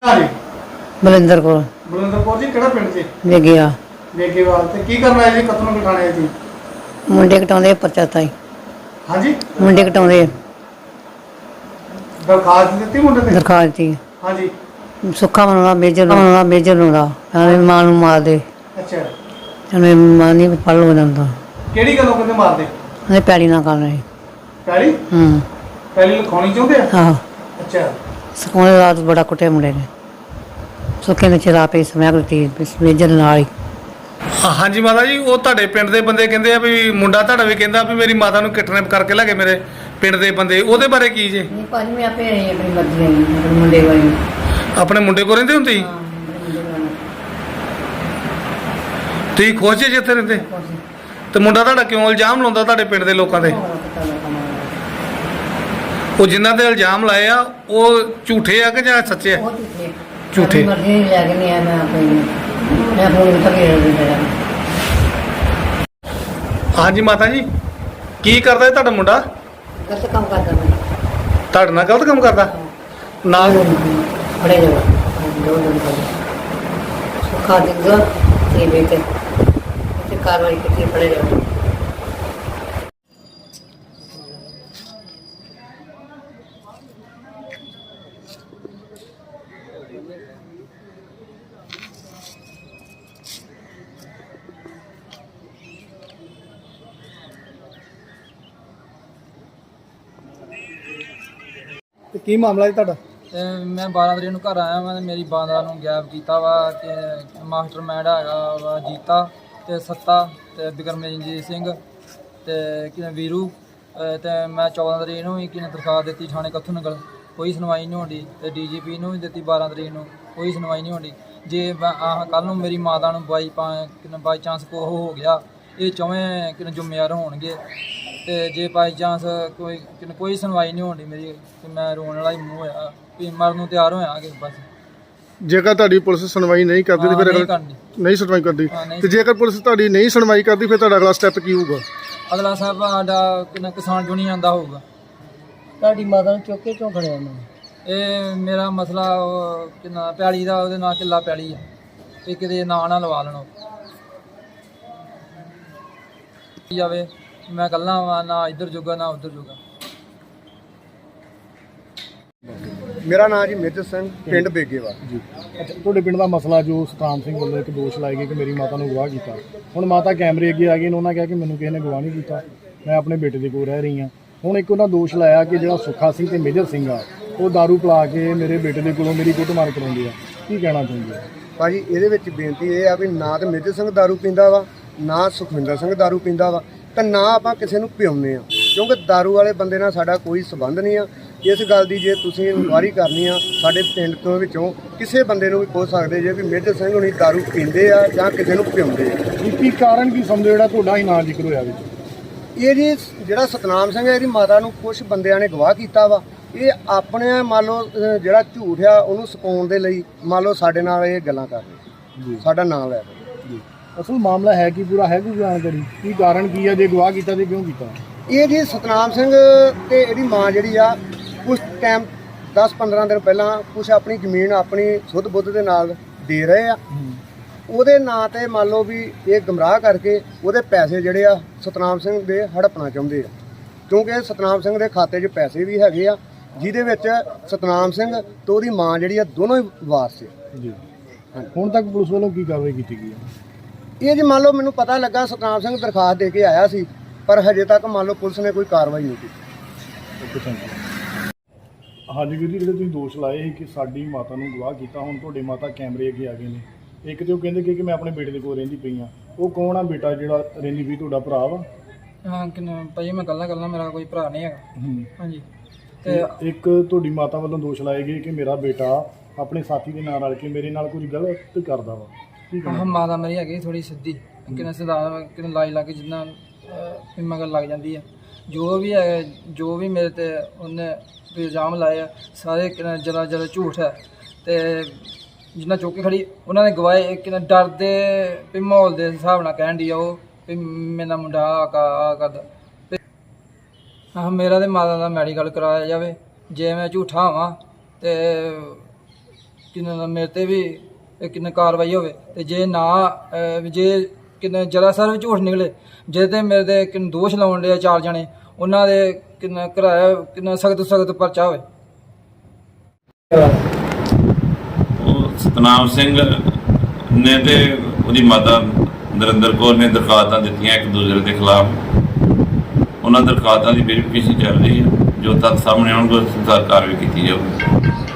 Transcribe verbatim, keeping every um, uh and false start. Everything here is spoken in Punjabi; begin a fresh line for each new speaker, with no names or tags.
हाँ जी
बलिंदर कौर
बलिंदर कौर जी किहड़ा पिंड जी
वेगिया
वेगेवाल ते की करना है जी कतनों कटाने है जी
मुंडे कटाउंदे परचा ताई
हाँ जी
मुंडे कटाउंदे
दरखास्त दी मुंडे ते
दरखास्त दी
हाँ जी
सुक्खा मनाउंदा मेजर मनाउंदा मेजर लाउंदा आंਦੇ ਮਾਂ ਨੂੰ ਮਾਰ ਦੇ
अच्छा
ਉਹਨੇ ਮਾਂ ਨਹੀਂ ਪੜ ਲੋ ਜਾਂਦਾ
ਕਿਹੜੀ ਗੱਲੋਂ ਕਹਿੰਦੇ ਮਾਰਦੇ
ਉਹਨੇ ਪੈੜੀ ਨਾ ਕਰ ਰਹੀ
ਪੈਲੀ
ਹੂੰ
ਪੈਲੀ ਲਿਖਾਉਣੀ ਚਾਹੁੰਦੇ ਆ
ਆਹ
ਅੱਛਾ
ਸਕੂਲੇ ਰਾਤ ਬੜਾ ਕੁੱਟੇ ਮੁੰਡੇ ਨੇ ਸੁੱਕੇ ਨੇ ਚਰਾ ਪਈ ਸਮੈਕ ਦਿੱਤੀ ਮੇਜਰ ਨਾਲ ਹੀ
ਹਾਂਜੀ ਮਾਤਾ ਜੀ ਉਹ ਤੁਹਾਡੇ ਪਿੰਡ ਦੇ ਬੰਦੇ ਕਹਿੰਦੇ ਆ ਵੀ ਮੁੰਡਾ ਤੁਹਾਡਾ ਵੀ ਕਹਿੰਦਾ ਵੀ ਮੇਰੀ ਮਾਤਾ ਨੂੰ ਕਿਡਨੈਪ ਕਰਕੇ ਲੈ ਗਏ ਮੇਰੇ ਪਿੰਡ ਦੇ ਬੰਦੇ ਉਹਦੇ ਬਾਰੇ ਕੀ ਜੀ
ਨਹੀਂ ਭਾਜੀ ਮੈਂ ਆਪੇ ਰਹੀ ਆਪਣੀ ਮਰਜ਼ੀ ਨਾਲ ਆਪਣੇ ਮੁੰਡੇ ਵਾਲੀ
ਆਪਣੇ ਮੁੰਡੇ ਕੋਲ ਰਹਿੰਦੇ ਹੁੰਦੇ ਸੀ ਤੁਸੀਂ ਖੁਸ਼ ਜੇ ਜਿੱਥੇ ਰਹਿੰਦੇ ਤੇ ਮੁੰਡਾ ਤੁਹਾਡਾ ਕਿਉਂ ਇਲਜ਼ਾਮ ਲਾਉਂਦਾ ਤੁਹਾਡੇ ਪਿੰਡ ਦੇ ਲੋਕਾਂ ਤੇ ਉਹ ਜਿਨ੍ਹਾਂ ਦੇ ਇਲਜ਼ਾਮ ਲਾਏ ਆ ਉਹ ਝੂਠੇ ਆ ਕਿ ਜਾਂ ਸੱਚੇ ਆ ਝੂਠੇ
ਮਰਜ਼ੀ ਨਹੀਂ ਲੈ ਕੇ ਨਹੀਂ ਆ ਮੈਂ ਆਪਣੀ ਮੈਂ ਫੋਨ ਤੱਕੇ ਰਹਿ
ਹਾਂਜੀ ਮਾਤਾ ਜੀ ਕੀ ਕਰਦਾ ਹੈ ਤੁਹਾਡਾ ਮੁੰਡਾ
ਗਲਤ ਕੰਮ ਕਰਦਾ ਮੈਂ
ਤੁਹਾਡੇ ਨਾਲ ਗਲਤ ਕੰਮ ਕਰਦਾ ਨਾਲ
ਬੜੇ ਜਵਾ ਦੋ ਦਿਨ ਪਹਿਲੇ ਸੁੱਖਾ ਦਿੰਦਾ ਤੇ ਬੇਟੇ ਤੇ ਕਾਰਵਾਈ ਕੀਤੀ ਬੜੇ ਜਵਾ
ਤੇ ਕੀ ਮਾਮਲਾ ਹੈ ਤੁਹਾਡਾ
ਤੇ ਮੈਂ ਬਾਰਾਂ ਤਰੀਕ ਨੂੰ ਘਰ ਆਇਆ ਮੈਂ ਤੇ ਮੇਰੀ ਬਾਂਦਰਾ ਨੂੰ ਗਾਇਬ ਕੀਤਾ ਵਾ ਕਿ ਮਾਸਟਰ ਮੈਂਡ ਹੈਗਾ ਵਾ ਜੀਤਾ ਤੇ ਸੱਤਾ ਤੇ ਬਿਕਰਮਜੀਤ ਸਿੰਘ ਤੇ ਕਿ ਵੀਰੂ ਅਹ ਤੇ ਮੈਂ ਚੌਦਾਂ ਤਰੀਕ ਨੂੰ ਵੀ ਕਿਨੇ ਦਰਖਾਸਤ ਦਿੱਤੀ ਥਾਣੇ ਕੱਥੂ ਨਗਲ ਕੋਈ ਸੁਣਵਾਈ ਨਹੀਂ ਹੁੰਦੀ ਤੇ ਡੀਜੀਪੀ ਨੂੰ ਵੀ ਦਿੱਤੀ ਬਾਰਾਂ ਤਰੀਕ ਨੂੰ ਕੋਈ ਸੁਣਵਾਈ ਨਹੀਂ ਹੁੰਦੀ ਜੇ ਆਹ ਕੱਲ੍ਹ ਨੂੰ ਮੇਰੀ ਮਾਤਾ ਨੂੰ ਬਾਈ ਪਾ ਕਿਨੇ ਬਾਈ ਚਾਂਸ ਕੋ ਹੋ ਗਿਆ ਇਹ ਚੌਵੇਂ ਕਿਨੇ ਜ਼ਿੰਮੇਵਾਰ ਹੋਣਗੇ ਤੇ ਜੇ ਬਾਈ ਚਾਂਸ ਕੋਈ ਕਿਨੇ ਕੋਈ ਸੁਣਵਾਈ ਨਹੀਂ ਹੁੰਦੀ ਮੇਰੀ ਤੇ ਮੈਂ ਰੋਣ ਵਾਲਾ ਹੀ ਮੂੰਹ ਹੋਇਆ ਵੀ ਮਰਨ ਨੂੰ ਤਿਆਰ ਹੋਇਆ ਕਿ ਬਸ
ਜੇਕਰ ਤੁਹਾਡੀ ਪੁਲਿਸ ਸੁਣਵਾਈ ਨਹੀਂ ਕਰਦੀ ਤੇ ਫਿਰ
ਨਹੀਂ
ਅਗਲਾ
ਕਰਨੀ
ਨਹੀਂ ਸੁਣਵਾਈ ਕਰਦੀ
ਹਾਂ, ਨਹੀਂ
ਤੇ ਜੇਕਰ ਪੁਲਿਸ ਤੁਹਾਡੀ ਨਹੀਂ ਸੁਣਵਾਈ ਕਰਦੀ ਫਿਰ ਤੁਹਾਡਾ ਅਗਲਾ ਸਟੈਪ ਕੀ ਹੋਊਗਾ
ਅਗਲਾ ਸਾਹਿਬ ਸਾਡਾ ਕਿੰਨਾ ਕਿਸਾਨ ਯੂਨੀਅਨ ਦਾ ਹੋਊਗਾ
ਤੁਹਾਡੀ ਮਾਤਾ ਨੂੰ ਚੁੱਕ ਕੇ ਕਿਉਂ ਖੜਿਆ ਮੈਂ
ਇਹ ਮੇਰਾ ਮਸਲਾ ਉਹ ਕਿੰਨਾ ਪੈਲੀ ਦਾ ਉਹਦੇ ਨਾਲ ਕਿੱਲਾ ਪੈਲੀ ਆ ਇਹ ਕਿਤੇ ਨਾਂ ਨਾ ਲਵਾ ਲੈਣੋ ਜਾਵੇ ਮੈਂ ਇਕੱਲਾ ਵਾਂ ਨਾ ਇੱਧਰ ਜੋਗਾ ਨਾ ਉੱਧਰ ਜੋਗਾ
ਮੇਰਾ ਨਾਮ ਜੀ ਮੇਜਰ ਸਿੰਘ ਪਿੰਡ ਬੇਗੇਵਾਲ
ਜੀ ਅੱਛਾ ਤੁਹਾਡੇ ਪਿੰਡ ਦਾ ਮਸਲਾ ਜੋ ਸਤਨਾਮ ਸਿੰਘ ਵੱਲੋਂ ਇੱਕ ਦੋਸ਼ ਲਾਏ ਗਏ ਕਿ ਮੇਰੀ ਮਾਤਾ ਨੂੰ ਗਵਾਹ ਕੀਤਾ ਹੁਣ ਮਾਤਾ ਕੈਮਰੇ ਅੱਗੇ ਆ ਗਏ ਨੇ ਉਹਨਾਂ ਕਿਹਾ ਕਿ ਮੈਨੂੰ ਕਿਸੇ ਨੇ ਗਵਾਹ ਨਹੀਂ ਕੀਤਾ ਮੈਂ ਆਪਣੇ ਬੇਟੇ ਦੇ ਕੋਲ ਰਹਿ ਰਹੀ ਹਾਂ ਹੁਣ ਇੱਕ ਉਹਨਾਂ ਦੋਸ਼ ਲਾਇਆ ਕਿ ਜਿਹੜਾ ਸੁੱਖਾ ਸਿੰਘ ਤੇ ਮੇਜਰ ਸਿੰਘ ਆ ਉਹ ਦਾਰੂ ਪਿਲਾ ਕੇ ਮੇਰੇ ਬੇਟੇ ਦੇ ਕੋਲੋਂ ਮੇਰੀ ਕੁੱਟਮਾਰ ਕਰਾਉਂਦੇ ਆ ਕੀ ਕਹਿਣਾ ਚਾਹੁੰਦੇ ਆ
ਭਾਜੀ ਇਹਦੇ ਵਿੱਚ ਬੇਨਤੀ ਇਹ ਆ ਵੀ ਨਾ ਤਾਂ ਮੇਜਰ ਸਿੰਘ ਦਾਰੂ ਪੀਂਦਾ ਵਾ ਨਾ ਸੁਖਵਿੰਦਰ ਸਿੰਘ ਦਾਰੂ ਪੀਂਦਾ ਵਾ ਤਾਂ ਨਾ ਆਪਾਂ ਕਿਸੇ ਨੂੰ ਪਿਆਉਂਦੇ ਆ ਕਿਉਂਕਿ ਦਾਰੂ ਵਾਲੇ ਬੰਦੇ ਨਾਲ ਸਾਡਾ ਕੋਈ ਸੰਬੰਧ ਨਹੀਂ ਆ ਇਸ ਗੱਲ ਦੀ ਜੇ ਤੁਸੀਂ ਇਨਕੁਆਇਰੀ ਕਰਨੀ ਆ ਸਾਡੇ ਪਿੰਡ ਤੋਂ ਵਿੱਚੋਂ ਕਿਸੇ ਬੰਦੇ ਨੂੰ ਵੀ ਪੁੱਛ ਸਕਦੇ ਜੇ ਵੀ ਮੇਜਰ ਸਿੰਘ ਹੁਣੀ ਦਾਰੂ ਪੀਂਦੇ ਆ ਜਾਂ ਕਿਸੇ ਨੂੰ ਪਿਆਉਂਦੇ ਆ
ਕੀ ਕਾਰਨ ਕੀ ਸਮਝੋ ਜਿਹੜਾ ਤੁਹਾਡਾ ਹੀ ਨਾਂ ਜ਼ਿਕਰ ਹੋਇਆ ਵਿੱਚ
ਇਹ ਜੀ ਜਿਹੜਾ ਸਤਨਾਮ ਸਿੰਘ ਹੈ ਇਹਦੀ ਮਾਤਾ ਨੂੰ ਕੁਝ ਬੰਦਿਆਂ ਨੇ ਗਵਾਹ ਕੀਤਾ ਵਾ ਇਹ ਆਪਣੇ ਮੰਨ ਲਓ ਅਹ ਜਿਹੜਾ ਝੂਠ ਆ ਉਹਨੂੰ ਸਪਾਉਣ ਦੇ ਲਈ ਮੰਨ ਲਓ ਸਾਡੇ ਨਾਲ ਇਹ ਗੱਲਾਂ ਕਰ ਰਹੇ ਸਾਡਾ ਨਾਮ ਲੈ ਰਹੇ
ਜੀ ਅਸਲ ਮਾਮਲਾ ਹੈ ਕੀ ਪੂਰਾ ਹੈ ਕੋਈ ਜਾਣਕਾਰੀ ਕੀ ਕਾਰਨ ਕੀ ਹੈ ਜੇ ਗਵਾਹ ਕੀਤਾ ਤੇ ਕਿਉਂ ਕੀਤਾ
ਇਹ ਜੀ ਸਤਨਾਮ ਸਿੰਘ ਤੇ ਇਹਦੀ ਮਾਂ ਜਿਹੜੀ ਆ ਕੁਛ ਟਾਈਮ ਦਸ ਪੰਦਰਾਂ ਦਿਨ ਪਹਿਲਾਂ ਕੁਛ ਆਪਣੀ ਜ਼ਮੀਨ ਆਪਣੀ ਸੁੱਧ ਬੁੱਧ ਦੇ ਨਾਲ ਦੇ ਰਹੇ ਆ ਉਹਦੇ ਨਾਂ ਤੇ ਮੰਨ ਲਓ ਵੀ ਇਹ ਗਮਰਾਹ ਕਰਕੇ ਉਹਦੇ ਪੈਸੇ ਜਿਹੜੇ ਆ ਸਤਨਾਮ ਸਿੰਘ ਦੇ ਹੜਪਣਾ ਚਾਹੁੰਦੇ ਆ ਕਿਉਂਕਿ ਸਤਨਾਮ ਸਿੰਘ ਦੇ ਖਾਤੇ 'ਚ ਪੈਸੇ ਵੀ ਹੈਗੇ ਆ ਜਿਹਦੇ ਵਿੱਚ ਸਤਨਾਮ ਸਿੰਘ ਤੇ ਉਹਦੀ ਮਾਂ ਜਿਹੜੀ ਆ ਦੋਨੋਂ ਹੀ ਵਾਰਸ ਆ
ਜੀ ਹੁਣ ਤੱਕ ਪੁਲਿਸ ਵੱਲੋਂ ਕੀ ਕਾਰਵਾਈ ਕੀਤੀ ਗਈ ਹੈ
ਇਹ ਜੀ ਮੰਨ ਲਓ ਮੈਨੂੰ ਪਤਾ ਲੱਗਾ ਸਤਨਾਮ ਸਿੰਘ ਦਰਖਾਸਤ ਦੇ ਕੇ ਆਇਆ ਸੀ ਪਰ ਹਜੇ ਤੱਕ ਮੰਨ ਲਓ ਪੁਲਿਸ ਨੇ ਕੋਈ ਕਾਰਵਾਈ ਨਹੀਂ ਕੀਤੀ
ਹਾਂਜੀ ਵੀਰ ਜੀ ਜਿਹੜੇ ਤੁਸੀਂ ਦੋਸ਼ ਲਾਏ ਸੀ ਕਿ ਸਾਡੀ ਮਾਤਾ ਨੂੰ ਗਵਾਹ ਕੀਤਾ ਹੁਣ ਤੁਹਾਡੇ ਮਾਤਾ ਕੈਮਰੇ ਅੱਗੇ ਆ ਗਏ ਨੇ ਇੱਕ ਤੇ ਉਹ ਕਹਿੰਦੇ ਕਿ ਮੈਂ ਆਪਣੇ ਬੇਟੇ ਦੇ ਕੋਲ ਰਹਿੰਦੀ ਪਈ ਆ ਉਹ ਕੌਣ ਆ ਬੇਟਾ ਜਿਹੜਾ ਰਹਿੰਦੀ ਵੀ ਤੁਹਾਡਾ ਭਰਾ ਵਾ
ਹਾਂ ਕਿੰਨਾ ਭਾਈ ਮੈਂ ਇਕੱਲਾ ਇਕੱਲਾ ਮੇਰਾ ਕੋਈ ਭਰਾ ਨਹੀਂ ਹੈਗਾ ਹਾਂਜੀ
ਤੇ ਇੱਕ ਤੁਹਾਡੀ ਮਾਤਾ ਵੱਲੋਂ ਦੋਸ਼ ਲਾਏ ਗਏ ਕਿ ਮੇਰਾ ਬੇਟਾ ਆਪਣੇ ਸਾਥੀ ਦੇ ਨਾਲ ਰਲ ਕੇ ਮੇਰੇ ਨਾਲ ਕੁਝ ਗਲਤ ਕਰਦਾ ਵਾ ਕੀ
ਹਾਂ ਮਾਤਾ ਮੇਰੀ ਹੈਗੀ ਥੋੜੀ ਸਿੱਧੀ ਕਿੰਨਾ ਸਿੱਧਾ ਕਿੰਨਾ ਲਾਈ ਲਾ ਕੇ ਜਿੰਨਾ ਮਗਰ ਲੱਗ ਜਾਂਦੀ ਹੈ ਜੋ ਵੀ ਹੈ ਜੋ ਵੀ ਮੇਰੇ ਤੇ ਉਹਨੇ ਇਲਜ਼ਾਮ ਲਾਏ ਆ ਸਾਰੇ ਜਰਾ ਜਰਾ ਝੂਠ ਹੈ ਤੇ ਜਿੰਨਾ ਚੌਕੀ ਖੜੀ ਉਹਨਾਂ ਨੇ ਗਵਾਏ ਕਿੰਨਾ ਡਰਦੇ ਵੀ ਮਾਹੌਲ ਦੇ ਹਿਸਾਬ ਨਾਲ ਕਹਿਣ ਦੀ ਆ ਉਹ ਵੀ ਮੇਰਾ ਮੁੰਡਾ ਆ ਕਰਦਾ ਹਾਂ ਮੇਰਾ ਤੇ ਮਾਤਾ ਦਾ ਮੈਡੀਕਲ ਕਰਾਇਆ ਜਾਵੇ ਜੇ ਮੈਂ ਝੂਠਾ ਹਾਂ ਤੇ ਕਿੰਨੇ ਮੇਰੇ ਤੇ ਵੀ ਇਹ ਕਿੰਨੇ ਕਾਰਵਾਈ ਹੋਵੇ ਤੇ ਜੇ ਨਾ ਅਹ, ਜੇ ਕਿੰਨੇ ਜਰਾ ਸਰ ਵੀ ਝੂਠ ਨਿਕਲੇ ਜੇ ਤੇ ਮੇਰੇ ਤੇ ਕਿੰਨੇ ਦੋਸ਼ ਲਾਉਣ ਦੇ ਚਾਰ ਜਣੇ ਉਹਨਾਂ ਦੇ ਕਿੰਨਾ ਕਰਾਇਆ ਕਿੰਨਾ ਸਖਤ ਸਖਤ ਪਰਚਾ ਹੋਵੇ।
ਉਹ ਸਤਨਾਮ ਸਿੰਘ ਨੇ ਤੇ ਉਹਦੀ ਮਾਤਾ ਨਰਿੰਦਰ ਕੌਰ ਨੇ ਦਰਖਾਸਤਾਂ ਦਿੱਤੀਆਂ ਇੱਕ ਦੂਸਰੇ ਦੇ ਖਿਲਾਫ। ਉਹਨਾਂ ਦਰਖਾਸਤਾਂ ਦੀ ਵੈਰੀਫਿਕੇਸ਼ਨ ਚੱਲ ਰਹੀ ਹੈ, ਜੋ ਤੱਥ ਸਾਹਮਣੇ ਆਉਣਗੇ ਉਸ ਅਨੁਸਾਰ ਕਾਰਵਾਈ ਕੀਤੀ ਜਾਊਗੀ।